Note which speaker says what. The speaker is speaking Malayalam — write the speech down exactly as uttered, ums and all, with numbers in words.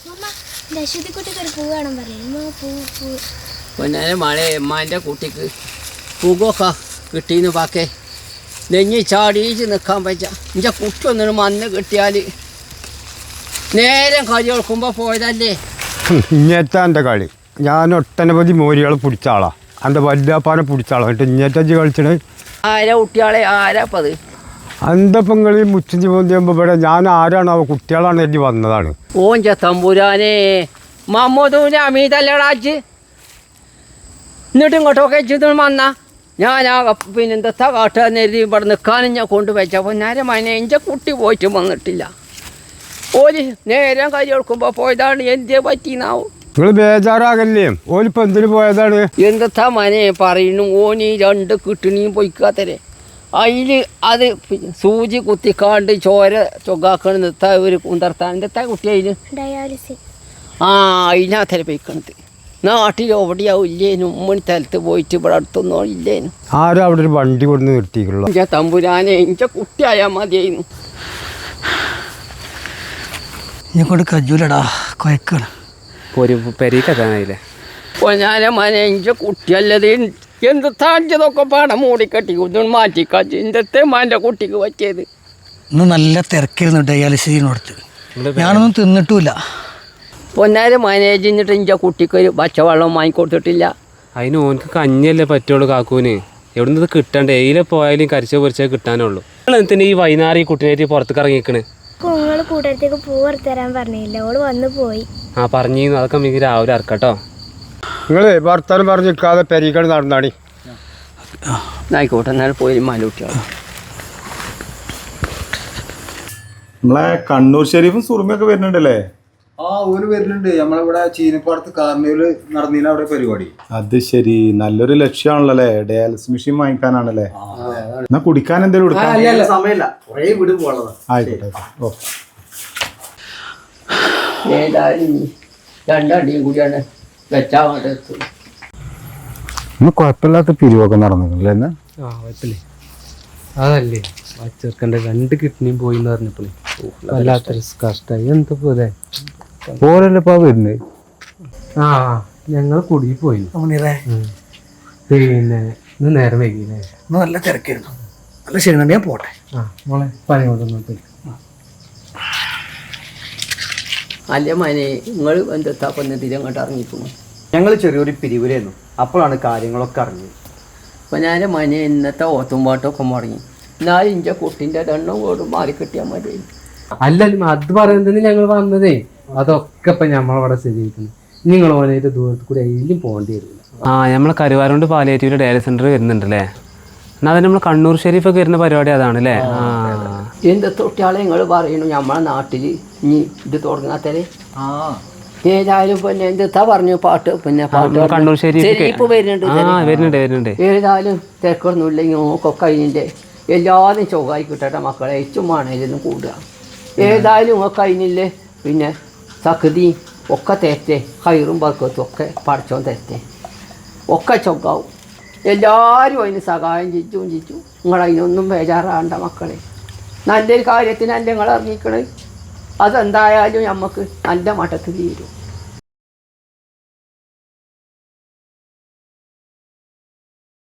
Speaker 1: പൊന്നാനെ മഴ എമ്മാൻ്റെ കുട്ടിക്ക് പൂകൊക്കെ കിട്ടീന്ന് പാക്കേ നെഞ്ഞി ചാടിച്ച് നിൽക്കാൻ പറ്റ എൻ്റെ കുട്ടി ഒന്നിനും മണ്ണ് കിട്ടിയാൽ നേരം കളി കൊടുക്കുമ്പോൾ പോയതല്ലേ.
Speaker 2: ഇഞ്ഞേറ്റാ എൻ്റെ കളി. ഞാൻ ഒട്ടനവധി മോരികളെ പിടിച്ച ആളാ. എൻ്റെ വല്യാപ്പാനെ പിടിച്ച ആളാ. എന്നിട്ട് ഇഞ്ഞേറ്റജ് കളിച്ചത്
Speaker 1: ആരാ കുട്ടികളെ ആരാപ്പത്?
Speaker 2: എൻ്റെ പെങ്ങളി മുച്ചഞ്ചി പോന്തിയുമ്പോൾ ഇവിടെ ഞാൻ ആരാണ് അവ കുട്ടികളാണ് എഴുതി വന്നതാണ്.
Speaker 1: ഓൻ ചത്തമ്പുരാനെ മമ്മൂദൂന് അമീതല്ലടാച്ച് എന്നിട്ട് ഇങ്ങോട്ടൊക്കെ എച്ചിട്ട് വന്നാ ഞാൻ ആ പിന്നെന്താ കാട്ടുകാരനെ എഴുതി ഇവിടെ നിൽക്കാനും ഞാൻ കൊണ്ടുവച്ചപ്പോൾ നേരെ മനെ എൻ്റെ കുട്ടി പോയിട്ട് വന്നിട്ടില്ല. ഓല് നേരം കൈ കൊടുക്കുമ്പോൾ പോയതാണ്. എന്തേ പറ്റിന്നാവും?
Speaker 2: നിങ്ങൾ ബേജാറാകല്ലേ? ഓലിപ്പോൾ എന്തിനു പോയതാണ്?
Speaker 1: എന്താ മനെ പറയുന്നു? ഓന് രണ്ട് കിട്ടണിയും പൊയ്ക്കാത്തരെ അതിൽ അത് സൂചി കുത്തിക്കാണ്ട് ചോര ചൊഗാക്കണ് നിർത്താൻ ഒരു കുന്തർത്താൻ എന്താ കുട്ടി അതിന്
Speaker 3: ഡയാലിസിസ്.
Speaker 1: ആ അതിനകത്തര പൊയ്ക്കണത്. നാട്ടിൽ എവിടെയാവും ഇല്ലേനും ഉമ്മണി സ്ഥലത്ത് പോയിട്ട് ഇവിടെ അടുത്തൊന്നും ഇല്ലേനും.
Speaker 2: ആരും അവിടെ ഒരു വണ്ടി കൊണ്ട് നിർത്തിക്കുള്ള
Speaker 1: എൻ്റെ തമ്പുരാനെ എൻ്റെ കുട്ടിയായാൽ മതിയായിരുന്നു.
Speaker 4: ഞാൻ കൊണ്ട് കജൂലടാ കൊയക്കാണ്
Speaker 5: ഒരു പെരീക്കെത്താനായില്ലേ?
Speaker 1: ഞാൻ മനെ എൻ്റെ കുട്ടിയല്ലത് എന്ത് താഴ്ചതൊക്കെ പാടം മൂടിക്കെട്ടി ഇതൊന്നും മാറ്റിക്കാച്ചു. എൻ്റെ മാൻ്റെ കുട്ടിക്ക് പറ്റിയത്.
Speaker 4: ഇന്ന് നല്ല തിരക്കായിരുന്നു ഡയാലിസിനോടത്ത്. ഞാനൊന്നും തിന്നിട്ടുമില്ല.
Speaker 1: പൊന്നാരെ മാനേജ് ചെയ്തിട്ട് എൻ്റെ കുട്ടിക്ക് ഒരു പച്ചവെള്ളം വാങ്ങിക്കൊടുത്തിട്ടില്ല.
Speaker 5: അതിന് ഓനക്ക് കഞ്ഞല്ലേ പറ്റുള്ളൂ കാക്കൂന്. എവിടെ നിന്ന് കിട്ടണ്ടേ? എയിലെ പോയാലും കരിച്ച പൊരിച്ചേ കിട്ടാനുള്ളൂ. എന്തിനാ ഈ വൈകുന്നേരം ഈ കുട്ടീനായിട്ട് പുറത്തേക്ക് ഇറങ്ങിക്കണ്?
Speaker 3: നിങ്ങൾ കൂട്ടത്തേക്ക് പൂ വറുത്തരാൻ പറഞ്ഞില്ല, ഓള് വന്ന് പോയി.
Speaker 5: ആ പറഞ്ഞിരുന്നു. അതൊക്കെ നമുക്ക് രാവിലെ ഇറക്കട്ടോ.
Speaker 2: നിങ്ങൾ വർത്താനം പറഞ്ഞ് നിൽക്കാതെ പെരീക്കണ് നടന്നാണി.
Speaker 1: ആയിക്കോട്ടെ എന്നാൽ പോയി മാലൂട്ടിയാണ്.
Speaker 6: നമ്മളെ കണ്ണൂർ ഷെരീഫും സുറുമയൊക്കെ വരുന്നുണ്ടല്ലേ?
Speaker 7: ആ ഓര് വരുന്നുണ്ട്. നമ്മളിവിടെ ചീനപ്പാടത്ത് കാർണിവല് നടന്നില്ല അവിടെ പരിപാടി.
Speaker 6: അത് ശരി, നല്ലൊരു ലക്ഷ്യമാണല്ലോ അല്ലേ? ഡയാലിസിസ് മെഷീൻ വാങ്ങിക്കാനാണല്ലേ? എന്നാ കുടിക്കാൻ എന്തെങ്കിലും
Speaker 7: സമയമില്ല, കുറേ വീട് പോകാനുള്ളതാ.
Speaker 6: ആയിക്കോട്ടെ. ഓ
Speaker 1: ഏതായാലും രണ്ടടിയും കൂടിയാണ് വെച്ചാൽ എത്തും.
Speaker 2: ഇന്ന് കുഴപ്പമില്ലാത്ത പിരിവൊക്കെ നടന്നില്ലേ? എന്നാ
Speaker 5: ആ കുഴപ്പമില്ലേ? അതല്ലേ ആ ചെറുക്കൻ്റെ രണ്ട് കിഡ്നിയും പോയി എന്ന് പറഞ്ഞപ്പോഴേ വല്ലാത്തൊരു കഷ്ടമായി. എന്താ പോലെ
Speaker 2: ഓരല്ലപ്പാ വരുന്നത്.
Speaker 5: ആ ഞങ്ങൾ കുടുങ്ങി പോയി. പിന്നെ ഇന്ന് നേരം വൈകില്ലേ?
Speaker 4: ഇന്ന് നല്ല തിരക്കായിരുന്നു. നല്ല ക്ഷീണം. ഞാൻ പോട്ടെ.
Speaker 5: ആ മോളെ പനി കൊണ്ടുവന്നിട്ട്
Speaker 1: അല്ല മനെ നിങ്ങൾ എന്താ കൊന്നതിൽ അങ്ങോട്ട് ഇറങ്ങിപ്പോന്നു.
Speaker 7: ഞങ്ങൾ ചെറിയൊരു പിരിവിലായിരുന്നു. അപ്പോഴാണ് കാര്യങ്ങളൊക്കെ അറിഞ്ഞത്.
Speaker 1: അപ്പം ഞാൻ മനെ ഇന്നത്തെ ഓത്തുംപാട്ടൊക്കെ മുടങ്ങി. എന്നാലും ഇൻ്റെ കുട്ടീൻ്റെ എണ്ണം കൂടെ മാറി കിട്ടിയാൽ മതി.
Speaker 5: അല്ലല്ലോ അത് പറയുന്നതിന് ഞങ്ങൾ വന്നതേ. അതൊക്കെ ഇപ്പം നമ്മളവിടെ ശരിയായിട്ടുണ്ട്. നിങ്ങൾ ഓനായിട്ട് ദൂരത്ത് കൂടി എങ്കിലും പോകേണ്ടി വരില്ല. ആ നമ്മളെ കരുവാരോണ്ട് പാലിയേറ്റീവ് ഡയാലിസിസ് സെൻ്റർ വരുന്നുണ്ടല്ലേ? എന്നാൽ അത് നമ്മൾ കണ്ണൂർ ഷെരീഫൊക്കെ വരുന്ന പരിപാടി അതാണല്ലേ? ആ
Speaker 1: എന്ത് തൊട്ടിയാളെ നിങ്ങൾ പറയുന്നു നമ്മളെ നാട്ടിൽ ഇനി ഇത് തുടങ്ങാത്തരെ.
Speaker 7: ആ
Speaker 1: ഏതായാലും പിന്നെ എന്താ പറഞ്ഞു പാട്ട് പിന്നെ
Speaker 5: കണ്ണൂർ ഷെരീഫ്
Speaker 1: വരുന്നുണ്ട്.
Speaker 5: ആ വരുന്നുണ്ട് വരുന്നുണ്ട്.
Speaker 1: ഏതായാലും തിരക്കൊന്നുമില്ലെങ്കിൽ നോക്കൊക്കെ അതിൻ്റെ എല്ലാവരും ചൊവ്വായി കിട്ടട്ടെ മക്കളെ. ചുമ്മാണേലും കൂടുക. ഏതായാലും ഒക്കെ അതിനില്ലേ പിന്നെ സഖതി ഒക്കെ തെറ്റേ ഹൈറും ബർക്കത്തും ഒക്കെ പഠിച്ചോൻ തെറ്റേ ഒക്കെ ചൊക്കാവും. എല്ലാവരും അതിന് സഹായം ചിച്ചും ചിച്ചു. നിങ്ങൾ അതിനൊന്നും ബേജാറാണ്ട മക്കളെ. നല്ലൊരു കാര്യത്തിനല്ല നിങ്ങൾ ഇറങ്ങിക്കണേ. അതെന്തായാലും നമുക്ക് നല്ല മട്ടത്തിൽ തീരും.